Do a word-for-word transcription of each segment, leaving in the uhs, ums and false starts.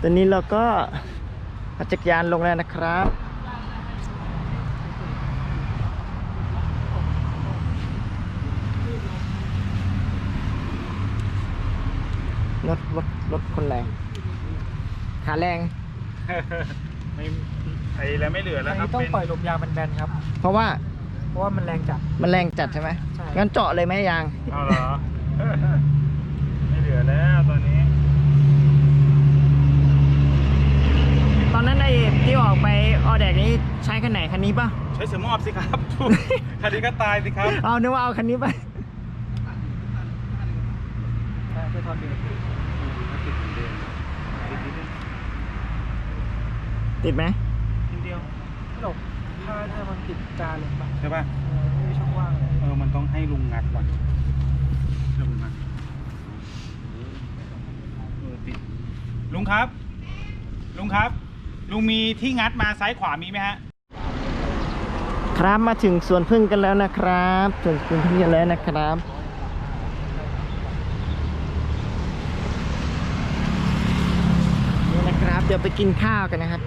ตอนนี้เราก็ปั่นจักรยานลงแล้วนะครับรถรถรถคนแรงขาแรงไม่ไอ้แล้วไม่เหลือแล้วครับต้องปล่อยลมยางมันแบนครับเพราะว่าเพราะว่ามันแรงจัดมันแรงจัดใช่ไหมใช่งั้นเจาะเลยไหมยางเอาเหรอ ไม่เหลือแล้วตอนนี้ตอนนั้นไอ้ที่ออกไปออแดกนี้ใช้คันไหนคันนี้ป่ะใช้เสือมอบสิครับ คันนี้ก็ตายสิครับเอานึกว่าเอาคันนี้ไปจะทอนเบรกติดไหมทีเดียวไม่หรอกถ้าถ้ามันติดจานเลยปะใช่ป่ะเออไม่มีช่องว่างเลยเออ มันต้องให้ลุงงัดว่ะเดี๋ยวลุงงัดเออติดลุงครับ ลุงครับ ลุงมีที่งัดมาซ้ายขวามีไหมฮะครับมาถึงสวนพึ่งกันแล้วนะครับสวนพึ่งกันแล้วนะครับนี่นะครับเดี๋ยวไปกินข้าวกันนะครับ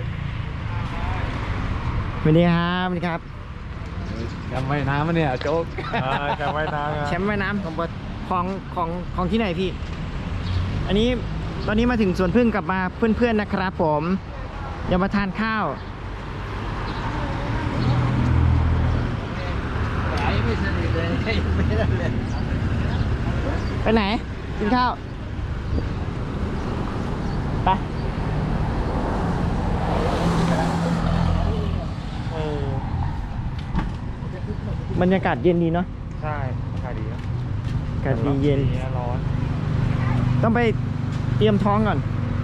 สวัสดีครับสวัสดีครับจำไว้น้ำมันเนี่ยโจ๊กจำไว้นะแชมป์ว่ายน้ำของบของของของที่ไหนพี่ อันนี้ตอนนี้มาถึงสวนพึ่งกลับมาเพื่อนๆนะครับผมเดี๋ยวมาทานข้าวไม่สนิทเลยไม่ได้เลยไปไหนกินข้าวไปเออบรรยากาศเย็นดีเนาะใช่ราคาดีครับอากาศดีเย็นร้อนต้องไปเตรียมท้องก่อน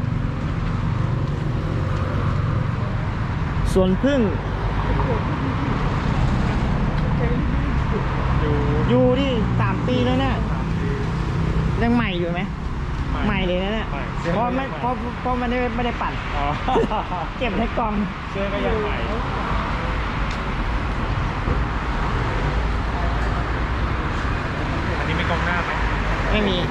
สวนพึ่งอยู่อยู่ที่สามปีแล้วเนี่ยยังใหม่อยู่ไหมใหม่เลยนะเนี่ยใหม่เพราะไม่เพราะเพราะมันไม่ได้ไม่ได้ปั่นอ๋อเก็บในกล่องเสื้อก็ยังใหม่อันนี้ไม่กล้องหน้าไหมไม่มี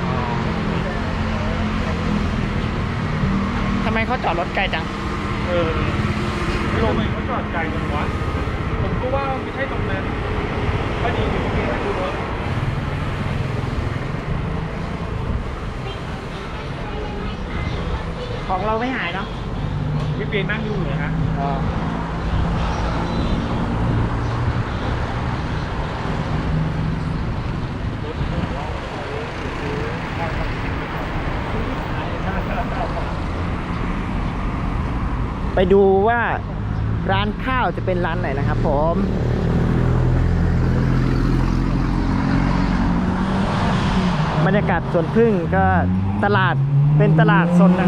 ทำไมเขาจอดรถไกลจังเออไม่รู้ไหมเขาจอดไกลจังวะผมก็ว่าไม่ใช่ตรงนั้นพอดีอยู่ตรงนี้ดูรถของเราไม่หายเนาะพี่เปียนั่งอยู่เลยฮะไปดูว่าร้านข้าวจะเป็นร้านไหนนะครับผมบรรยากาศสวนพึ่งก็ตลาดเป็นตลาดสดนะ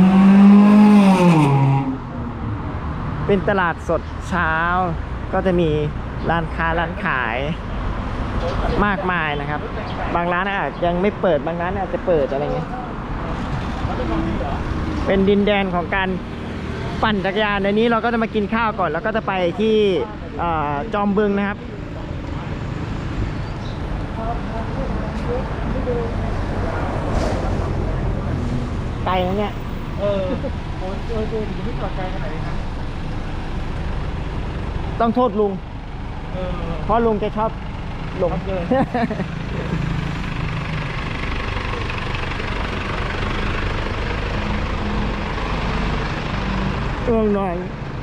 เป็นตลาดสดเช้าก็จะมีร้านค้าร้านขายมากมายนะครับบางร้านอาจยังไม่เปิดบางร้านอาจจะเปิดอะไรเงี้ยเป็นดินแดนของการปั่นจักรยานในนี้เราก็จะมากินข้าวก่อนแล้วก็จะไปที่จอมบึงนะครับไกลนะเนี่ยเออโอ้ยเออเออถึงไม่จอดไกลขนาดนี้นะต้องโทษลุงเออเพราะลุงแกชอบหลงเลยง่วงนอน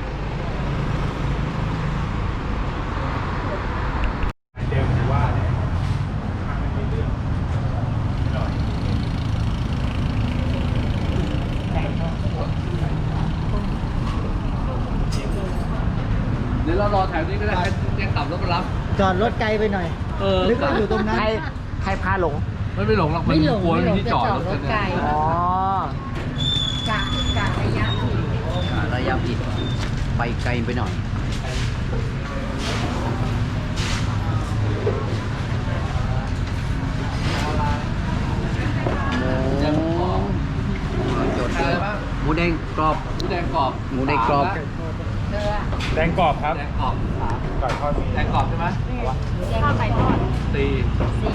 เดี๋ยวผมว่าเนี่ยทางมันมีเรื่องหน่อยเดี๋ยวเรารอแถวนี้ก็ได้ให้แจ้งขับรถมารับจอดรถไกลไปหน่อยเออนึกว่าอยู่ตรงนั้นใครใครพาหลงมันไม่หลงหรอกมันไม่หลงกลัวไม่หลงที่จอดรถจะจอดรถไกลกันอ๋อกะกะระยะผิดระยะผิดไปไกลไปหน่อยจดเลยหมูแดงกรอบหมูแดงกรอบหมูแดงกรอบเธออะแดงกรอบครับแดงกรอบไก่ทอดมีแดงกรอบใช่ไหมข้าวไก่ทอดสี่สี่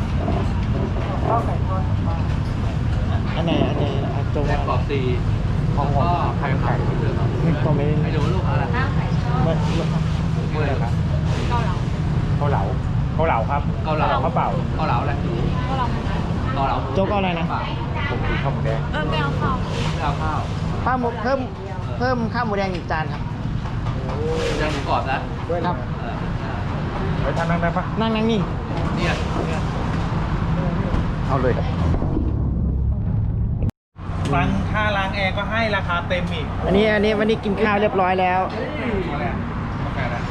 อันไหนอันไหนอันตรงแดงกรอบสี่ของก็ไข่ไข่เดือดก็ไม่ไอ้ดูลูกอะไรข้าวไข่ทอดไม่พูดอะไรครับเกาเหลาเกาเหลาเกาเหลาครับเกาเหลาข้าวเปล่าเกาเหลาอะไรเกาเหลาหมูเกาเหลาโจ๊กเอาอะไรนะผมกินข้าวหมูแดงเออไม่เอาข้าวไม่เอาข้าวข้าวหมูเพิ่มเพิ่มข้าวหมูแดงอีกจานครับยังหมูกรอบนะครับเออไปทานนั่งได้ปะนั่งนั่งนี่เนี่ยเนี่ยเอาเลยล้างค่าล้างแอร์ก็ให้ราคาเต็มอีกอันนี้อันนี้วันนี้กินข้าวเรียบร้อยแล้วอะไรอะกาแฟอะไร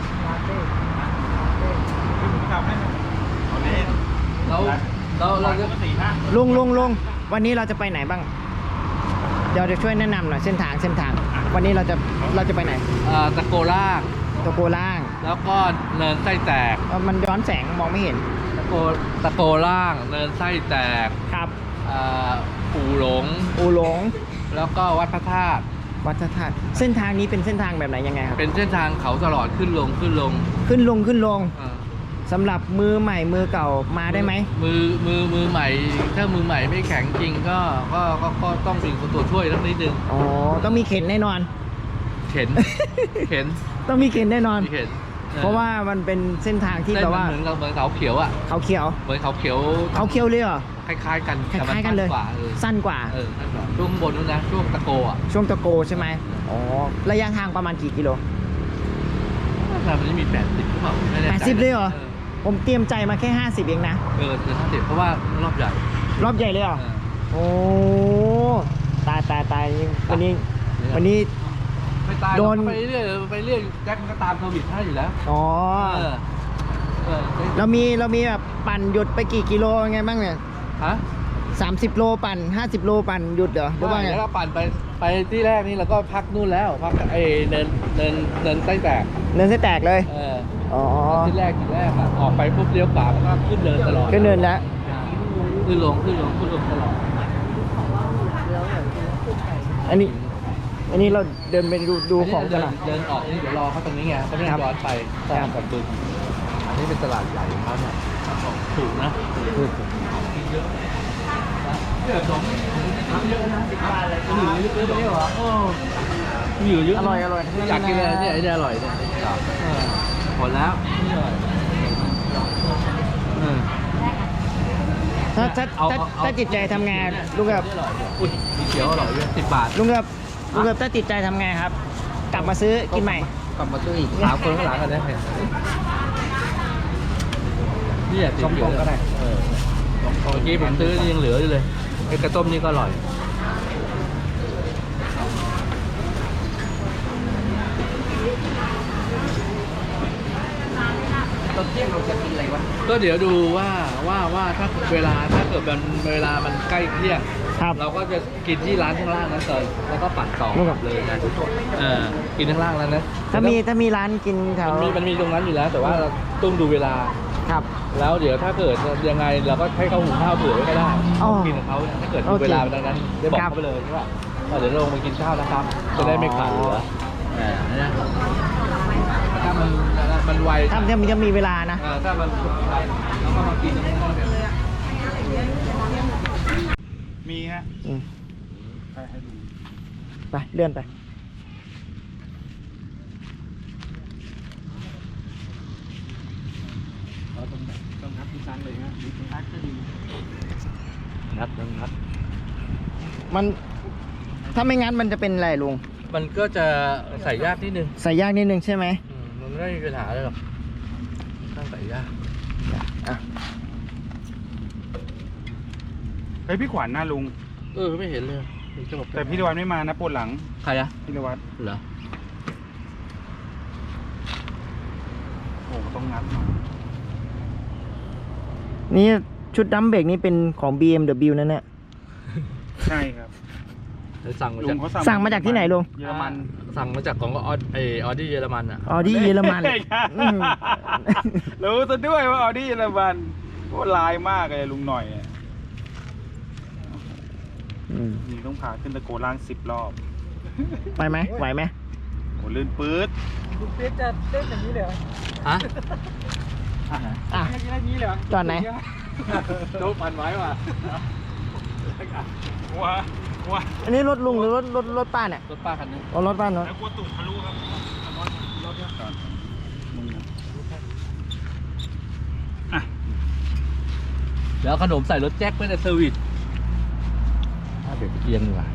ที่ผมทำให้มันเอาเล่นเราเราเราจะสี่ห้าลุงลุงลุงวันนี้เราจะไปไหนบ้าง เดี๋ยวจะช่วยแนะนำหน่อยเส้นทางเส้นทาง วันนี้เราจะเราจะไปไหนเอ่อตะโกล่างตะโกล่างแล้วก็เนินไส้แตกเอ่อมันย้อนแสงมองไม่เห็นตะโกตะโกล่าง เนินไส้แตกครับเอ่ออู่หลงอูหลงแล้วก็วัดพระธาตุวัดพระธาตุเส้นทางนี้เป็นเส้นทางแบบไหนยังไงครับเป็นเส้นทางเขาตลอดขึ้นลงขึ้นลงขึ้นลงขึ้นลงเออสำหรับมือใหม่มือเก่ามาได้ไหมมือมือมือใหม่ ถ้ามือใหม่ไม่แข็งจริงก็ก็ก็ก็ต้องมีคนตัวช่วยสักนิดนึงอ๋อต้องมีเข็นแน่นอนเข็น เข็นต้องมีเข็นแน่นอนมีเข็นออเพราะว่ามันเป็นเส้นทางที่เส้นแบบมันว่าเหมือนกับเหมือนเขาเขียวอ่ะเขาเขียวเหมือนเขาเขียวเขาเขียวเลยเหรอคล้ายๆกันคแต่มัล้ายๆกันเลยสั้กว่าเออสั้นกว่าเออสั้นกว่าช่วงข้างบนนู้นนะช่วงตะโกอ่ะช่วงตะโกใช่ไหมอ๋อระยะทางประมาณกี่กิโลแต่มันจะมีแปดสิบหรือเปล่าไม่แน่ใจแปดสิบเลยเหรอ ผมเตรียมใจมาแค่ห้าสิบเองนะเออเกินห้าสิบเพราะว่ารอบใหญ่รอบใหญ่เลยเหรอเออโอ้ตายตายตายวันนี้วันนี้ไม่ตายโดโดนนไปเรื่อยไปเรื่อยแจ็คมันก็ตามโควิดให้อยู่แล้วอ๋อเออเออเรามีเรามีแบบปั่นหยุดไปกี่กิโลไงบ้างเนี่ยฮะสามสิบโลปั่นห้าสิบโลปั่นหยุดเหรอหรือว่าไงแล้วก็ปั่นไปไปที่แรกนี่เราก็พักนู่นแล้วพักไอ้เนินเนินเนินไส้แตกเนินเส้นแตกเลยเอออ๋อที่แรกที่แรกอะออกไปปุ๊บเลี้ยวขวามันก็ขึ้นเนินตลอดขึ้นเนินแล้วขึ้นลงขึ้นลงขึ้นลงตลอดอันนี้ อันนี้เราเดินไปดูดูของกันเดิหน่อยเดินออกนี่เดี๋ยวรอเขาตรงนี้ไงเขาไม่ได้ครับย้อนไปตามกับบึงอันนี้เป็นตลาดใหญ่ของเขาเนี่ยถูกนะถูกเยอะเยอะสองเยอะนะสิบบาทเลยหรือเยอะไม่เหรอโอ้มีอยู่เยอะอร่อยอร่อยอยากกินอะไรเนี่ยไอ้เนี่ยอร่อยเนี่ยครับหมดแล้วเออถ้าถ้าเอาถ้าเอาถ้าจิตใจทำงานลุงกับอุ้ยมีเขียวอร่อยด้วยสิบบาทลุงกับลุงกับถ้าจิตใจทำไงครับ กลับมาซื้อกินใหม่กลับมาซื้ออีกสามคนข้างหลังกันได้ไหมนี่อ่ะส้มตำก็ได้เออเมื่อกี้ผมซื้อนี่ยังเหลืออยู่เลยไอ้กระต้มนี่ก็อร่อยตอนเที่ยงเราจะกินอะไรวะก็เดี๋ยวดูว่าว่าว่าถ้าเวลาถ้าเกิดมันเวลามันใกล้เที่ยงครับเราก็จะกินที่ร้านข้างล่างนั้นเลยแล้วก็ปั่นต่อครับเลยนะเออกินข้างล่างแล้วนะถ้ามีถ้ามีร้านกินแถวมันมีมันมีตรงนั้นอยู่แล้ว แต่ว่าเราต้องดูเวลาครับแล้วเดี๋ยวถ้าเกิดยังไงเราก็ให้เขาหุงข้าวเผื่อไว้ก็ได้อ๋อกินกับเขาถ้าเกิดโอมีเคเวลาดังนั้นได้บอกครับเขาไปเลยใช่ป่ะว่าเดี๋ยวเราลงไปกินข้าวนะครับ จะได้ไม่ขาดเหลืออ่านะถ้ามันมันไวถ้าถ้ามีจะมีเวลานะเออถ้ามันไวเราก็มากินตรงนั้นเลยมีฮะอืมให้ให้ดูไปเลื่อนไปเราต้องต้องนับทุกครั้งเลยนะดูตรงนัดก็ดีนัดนัดมันถ้าไม่งั้นมันจะเป็นอะไรลุงมันก็จะใส่ยากนิดนึงใส่ยากนิดนึงใช่ไหมอืมมันไม่มีปัญหาเลยหรอกต้องใส่ยากอ่ะเฮ้ยพี่ขวัญหน้าลุงเออไม่เห็นเลยมีจะบอกแต่พี่ตะวันไม่มานะปวดหลังใครอะพี่ตะวันเหรอโอ้ต้องงัดหน่อยนี่ชุดดัมเบรกนี่เป็นของ บี เอ็ม ดับเบิลยู นั่นแหละใช่ครับเดี๋ยวสั่งมาลุจากงเขาสั่งมาจากที่ไหนลุงเยอรมันสั่งมาจากของออดไอออดี้เยอรมันอ่ะออดี้เยอรมันอืมรู้ซะด้วยว่าออดี้เยอรมันโอ้ลายมากเลยลุงหน่อยอะอืมนี่ต้องพาขึ้นตะโกล่างสิบรอบไปไหมไหวไหมโอ้ลื่นปื๊ดลูกเปี๊ยกจะเต้นอย่างนี้เลยเหรอฮะอ่ะให้กินอย่างนี้เลยเหรอจอดไหนโดนปั่นไว้ว่ะว้ากลัวอันนี้รถลุงหรือรถรถรถป้าเนี่ยรถป้าคันนี้อ๋อรถป้าเนาะแล้วกลัวตุ่มทะลุครับรถรถเนี่ยก่อนมึงอ่ะแล้วขนมใส่รถแจ็คไม่ได้เซอร์วิสถ้าเบรกเอียงดีกว่า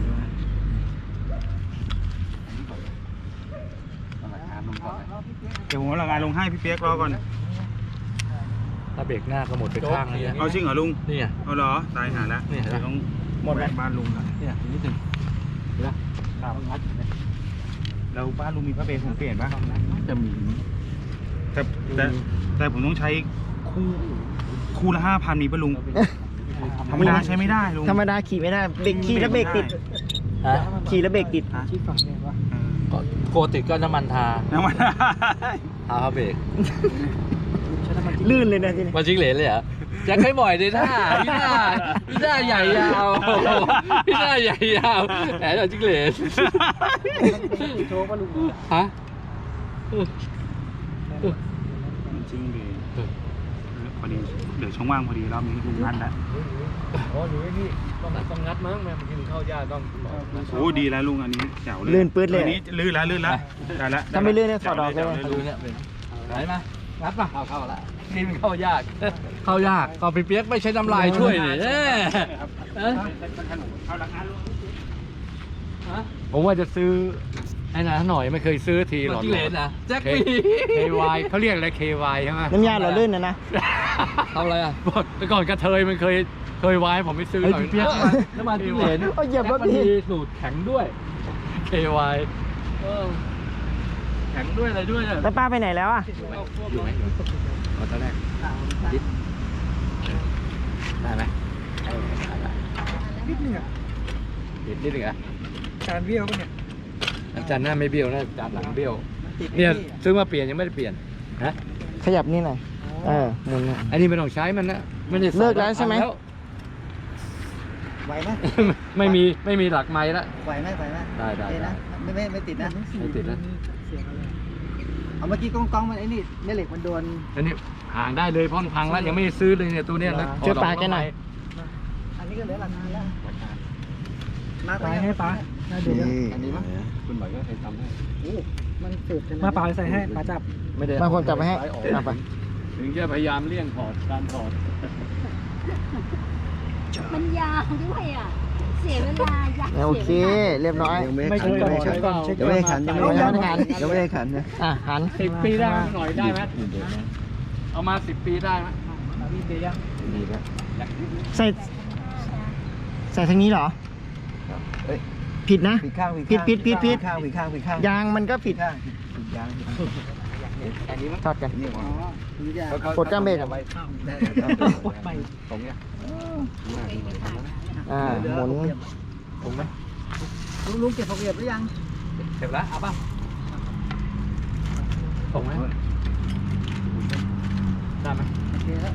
เดี๋ยวผมเอาละงานลงให้พี่เปียกรอก่อนถ้าเบรกหน้าก็หมดไปข้างเลยเนี่ยเอาจริงเหรอลุงนี่ไงเอาเหรอตายหาแล้วนี่เห็นไหมเดี๋ยวต้องหมดบ้านลุงละเนี่ยนิดหนึ่งเห็นไหมตามงัดอยู่เนี่ยแล้วบ้านลุงมีพระเบรผมเปลี่ยนปะจะมีแต่แต่แต่ผมต้องใช้คู่คู่ละห้าพันมีปะลุงธรรมดาใช้ไม่ได้ลุงธรรมดาขี่ไม่ได้เบรกขี่แล้วเบรกติดฮะขี่แล้วเบรกติดชี้ฝั่งเนี่ยวะเออก็โกติดก็น้ำมันทาน้ำมันทาเขาเบรกลื่นเลยนะทีนี้มันจิงเหลนเลยเหรอแจ็คให้บ่อยเลยท่าพี่หน้าพี่หน้าใหญ่ยาวพี่หน้าใหญ่ยาวแหมเราจิงเหลนโชว์ป่ะลุงฮะจริงดิพอดีเดี๋ยวช่องว่างพอดีรอบนี้ลุงนัดแล้วอ๋อหนูนี่ต้องต้องงัดมั้งแม่มันกินข้าวยากต้องโอ้ดีแล้วลุงอันนี้แจ๋วเลยลื่นปื๊ดเลยอันนี้ลื่นแล้วลื่นแล้วได้แล้วถ้าไม่ลื่นเนี่ยถอดออกเลยดูเนี่ยเป็นไหนมางัดป่ะเข้าเข้าละกินข้าวยากข้าวยากก็ไปเปียกไม่ใช้น้ำลายช่วยนี่เอ๊ะเอ๊ะเอาละงานลุงผมว่าจะซื้อไอ้นะหน่อยไม่เคยซื้อทีหรอกจิงเหลนนะแจ็คเคปีเควายเขาเรียกอะไรเควายใช่ไหมน้ำยาหล่อลื่นนะนะทำอะไรอ่ะแต่ก่อนกระเทยมันเคยเคยวายผมไม่ซื้อหรอกน้ำมันจิงเหลนเอาเหยียบรถมันพี่มีสูตรแข็งด้วยเควายเออแข็งด้วยอะไรด้วยเนี่ยแล้วป้าไปไหนแล้วอ่ะอยู่ไหมเอาตอนแรกดิได้ไหมนิดนึงอ่ะนิดนึงอ่ะจานเบี้ยวปะเนี่ยจานหน้าไม่เบี้ยวนะจานหลังเบี้ยวเนี่ยซื้อมาเปลี่ยนยังไม่ได้เปลี่ยนนะขยับนี่หน่อยเออหมุนหน่อยอันนี้ไม่ต้องใช้มันนะไม่ได้ใส่เลิกแล้วใช่ไหมพังไหวไหมไม่มีไม่มีหลักไม้ละไหวไหมไหวไหมได้ได้ได้ไม่ไม่ไม่ติดนะไม่ติดแล้วเอาเมื่อกี้กล้องกล้องมันไอ้นี่แม่เหล็กมันโดนอันนี้ห่างได้เลยเพราะมันพังแล้วยังไม่ได้ซื้อเลยเนี่ยตัวเนี้ยนะช่วยป้าแกหน่อยอันนี้ก็เหลือหลักฐานแล้วมาไปให้ป้าเดี๋ยวอันนี้มั้งคุณหมายก็เคยทำให้มันสืบมาป้าใส่ให้ป้าจับไม่ได้บางคนจับไปให้เอาไปถึงจะพยายามเลี่ยงถอดการถอดมันยาวด้วยอ่ะ เสียเวลาอยากโอเค เรียบร้อยไม่เคยเช็คก่อนเช็คยังไม่ได้ขันยังไม่ได้ขันยังไม่ได้ขันนะอ่ะหันสิบปีได้ไหมหน่อยได้ไหมเอามาสิบปีได้ไหมพี่เดียวดีแล้วใส่ใส่ทางนี้เหรอ ผิดนะผิดข้างผิดผิดผิดผิดข้างผิดข้างผิดข้างยางมันก็ผิดข้างผิดยางอันนี้มั้งทอดกันนี่อ๋อกดก้ามเบรกไว้ไปตรงเนี้ยอ่าหมุนตรงไหมลุงลุงเก็บผักเก็บหรือยังเสร็จแล้วเอาป่ะตรงไหมได้ไหมโอเคแล้ว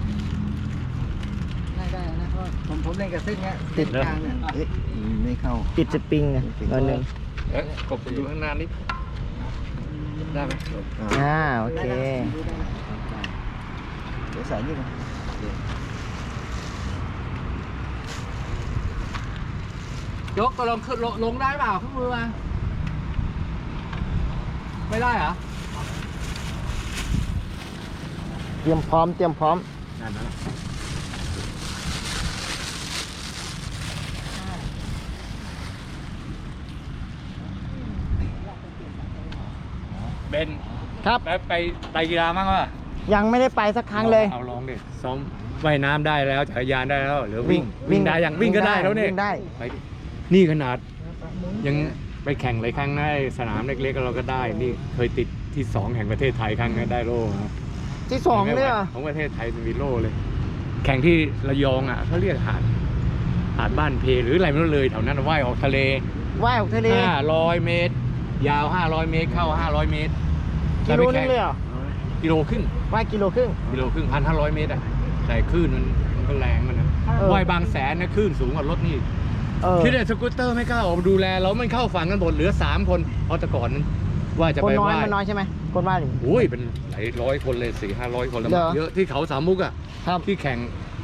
ได้ได้นะเพราะผมผมเล่นกับเส้นเนี้ยเส้นกลางเนี่ยเอ๊ะไม่เข้าติดสปริงนะตัวหนึ่งเอ๊ะกบดูข้างหน้านิดได้ไหมอ่าโอเคเดี๋ยวใส่นี่ก่อนยกก็ลงขึ้นลงได้เปล่าขึ้นมือมาไม่ได้เหรอเตรียมพร้อมเตรียมพร้อมนั่นนะเบนครับไปไปไตรกีฬามั้งวะยังไม่ได้ไปสักครั้งเลยเอาลองดิซ้อมว่ายน้ำได้แล้วจักรยานได้แล้วหรือวิ่งวิ่วิ่งงได้ยังวิ่งก็ได้แล้วเนี่ยวิ่งได้ไปดินี่ขนาด ยังไปแข่งหลายครั้งนะไอ้สนามเล็กๆเราก็ได้ นี่เคยติดที่สองแห่งประเทศไทยครั้งนึงได้โล่นะที่สองเลยเหรอของประเทศไทยมีโล่เลย แข่งที่ระยองอ่ะเขาเรียกหาดหาดบ้านเพหรืออะไรไม่รู้เลยแถวนั้นว่ายออกทะเลว่ายออกทะเลห้าร้อยเมตร ยาวห้าร้อยเมตรเข้าห้าร้อยเมตรกิโลนึงเลยเหรอกิโลครึ่งว่ายกิโลครึ่งกิโลครึ่งพันห้าร้อยเมตรอ่ะแต่คลื่นมันมันก็แรงมันนะเออว่ายบางแสนนะคลื่นสูงกว่ารถนี่เออคิดว่าสกูตเตอร์ไม่กล้าออกมาดูแลเรามันเข้าฝั่งกันหมดเหลือสามคนเพราะแต่ก่อนนั้นว่าจะคนไปน้อยว่ายมันน้อยใช่ไหมคนว่ายหรือโอ้ยเป็นหลายร้อยคนเลยสี่ห้าร้อยคนแล้วเหรอเยอะที่เขาสามมุกอ่ะครับที่แข่ง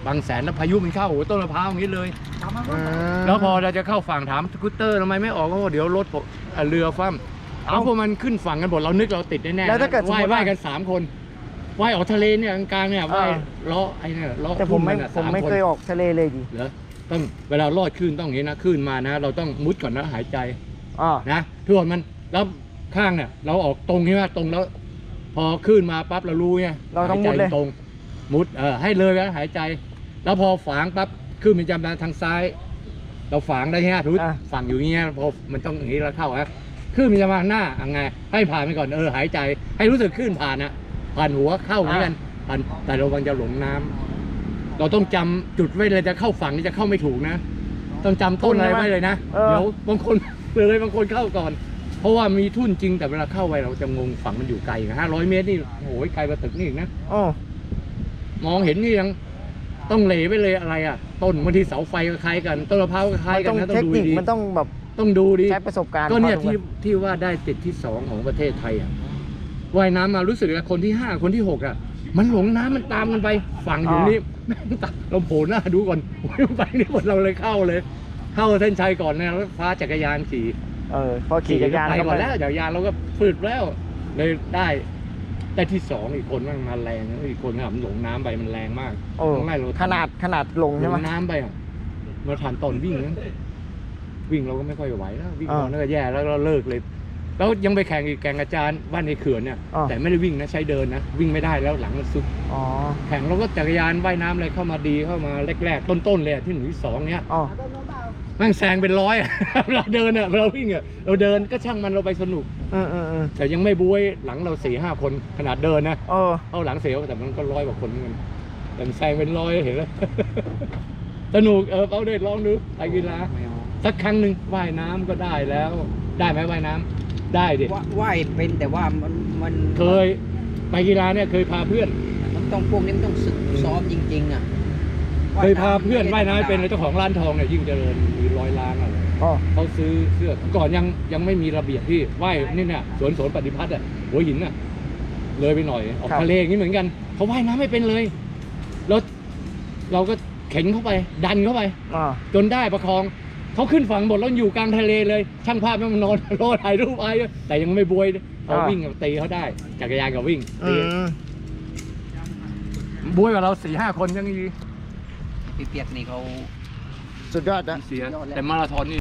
บางแสนแล้วพายุมันเข้าโอ้โหต้นมะพร้าวอย่างนี้เลยอืมแล้วพอเราจะเข้าฝั่งถามสกูตเตอร์ทำไมไม่ออกก็บอกเดี๋ยวรถผมเอ่อเรือคว่ำเอาพวกมันขึ้นฝั่งกันหมดเรานึกเราติดแน่ๆแล้วถ้าเกิดสมว่ายมุติว่าว่ายกันสามคนว่ายออกทะเลเนี่ยกลางๆเนี่ยว่ายอ่าล้อไอ้เนี่ยล้อแต่ผมไม่ขึ้นนน่ะผมไม่สาเคยออกทะเลเลยดิเหรอต้องเวลาลอดคลื่นต้องอย่างนี้นะคลื่นมานะ เราต้องมุดก่อนนะหายใจอ๋อนะทุกคนมันแล้วข้างเนี่ยเราออกตรงใช่ไหมตรงแล้ว พอคลื่นมาปั๊บเรารู้ไงเราต้องหมุดใจเลยตรงมุดเออให้เลยแล้วหายใจ แล้วพอฝางปั๊บคลื่นมันจะมาทางซ้าย เราฝางได้ใช่ไหมทุกอ่ะฝั่งอยู่อย่างเงี้ยพอมันต้องอย่างนี้เราเข้าอะคลื่นมันจะมาหน้าอ่ะไงให้ผ่านไปก่อนเออหายใจ ให้รู้สึกคลื่นผ่านนะผ่านหัวเข้าเหมือนกันผ่านแต่เราวังจะหลงน้ำเราต้องจำจุดไว้เลยจะเข้าฝั่งนี่จะเข้าไม่ถูกนะ ต้องจำต้นอะไรไว้เลยนะเออเดี๋ยวบางคนเลยบางคนเข้าก่อน เพราะว่ามีทุ่นจริงแต่เวลาเข้าไปเราจะงงฝั่งมันอยู่ไกลห้าร้อยเมตรนี่โอ้ยไกลกว่าตึกนี่อีกนะโอ้มองเห็นนี่ยังต้องเหลไปเลยอะไรอ่ะ ต้นบางทีเสาไฟก็คล้ายกันต้นมะพร้าวก็คล้ายมันกัต้อน งนะต้อเทงคดูนิคดีมันต้องแบบต้องดูดีใช้ประสบการณ์ก็เนี่ยพอสมควรที่ที่ว่าได้ติดที่สองของประเทศไทยอ่ะว่ายน้ำมารู้สึกว่าคนที่ห้าคนที่หกอ่ะ มันหลงน้ำมันตามกันไปฝั่งอยู่นี่แม่งตัดเราโผล่หน้าดูก่อนโอ้ยไปนี่หมดเราเลยเข้าเลย เข้าเส้นชัยก่อนนะแล้วฟ้าจักรยานขี่เออพอขี่จักรยานไปแล้วก่ก็อนแล้วจักรยานเราก็ฝืดแล้วเลยได้ได้ที่สองอีกคนมันมาแรงนะอีกคนน่ะมันหลงน้ำไปมันแรงมากโอ้ต้องไล่เราขนาดขนาดลงหลใช่ไหมงน้ำไปอ่ะมาผ่านตอนวิ่งนะวิ่งเราก็ไม่ค่อยไหวแล้ววิ่งอ่าตอนนั้นก็แย่แล้วเราเลิกเลย แล้วยังไปแข่งอีกแข่งอาจารย์ว่านในเขื่อนเนี่ยอ่าแต่ไม่ได้วิ่งนะใช้เดินนะวิ่งไม่ได้แล้วหลังมันซุดอ๋อแข่งเราก็จักรยานว่ายน้ำอะไรเข้ามาดีเข้ามาแรกๆต้นๆเลยอะที่หนึ่งที่สองเนี้ยอ๋อแม่งแซงเป็นร้อยอะ เราเดินอะเราวิ่งอะเราเดินก็ช่างมันเราไปสนุกอืมอืมอืมแต่ยังไม่บวยหลังเราสี่ห้าคนขนาดเดินนะเออเอาหลังเสียวแต่มันก็ร้อยกว่าคนเหมือนกันแต่มันแซงเป็นร้อยเห็นไหม สนุกเออเอาเด็ดลองดูไปกีฬาสักครั้งหนึ่งว่ายน้ำก็ได้แล้ว ได้ไหมว่ายน้ำได้ดิว่าว่ายเป็นแต่ว่ามันมันเคยไปกีฬาเนี่ยเคยพาเพื่อนมันต้องพวกนี้มันต้องศึกซ้อมจริงๆอ่ะเคยพาเพื่อนว่ายน้ำเป็นเลยเจ้าของร้านทองเนี่ยยิ่งเจริญมีร้อยล้านอะไรอ๋อเขาซื้อเสื้อก่อนยังยังไม่มีระเบียบที่ว่ายนี่เนี่ยสวนสวนปฏิพัฒน์อ่ะหัวหินอ่ะเลยไปหน่อยออกทะเลอย่างนี้เหมือนกันเขาว่ายน้ำไม่เป็นเลยแล้วเราก็เข็นเข้าไป ดันเข้าไปอ๋อจนได้ประคองเขาขึ้นฝั่งหมดแล้วอยู่กลางทะเลเลย ช่างภาพแม่งมันนอน รอถ่ายรูปไอ้แต่ยังไม่บวยเขาวิ่งกับตีเขาได้จักรยานกับวิ่งอืตีมบวยกับเราสี่ห้าคนยังดีพี่เปียกนี่เขาสุดยอดนะเสียแต่มาราธอนนี่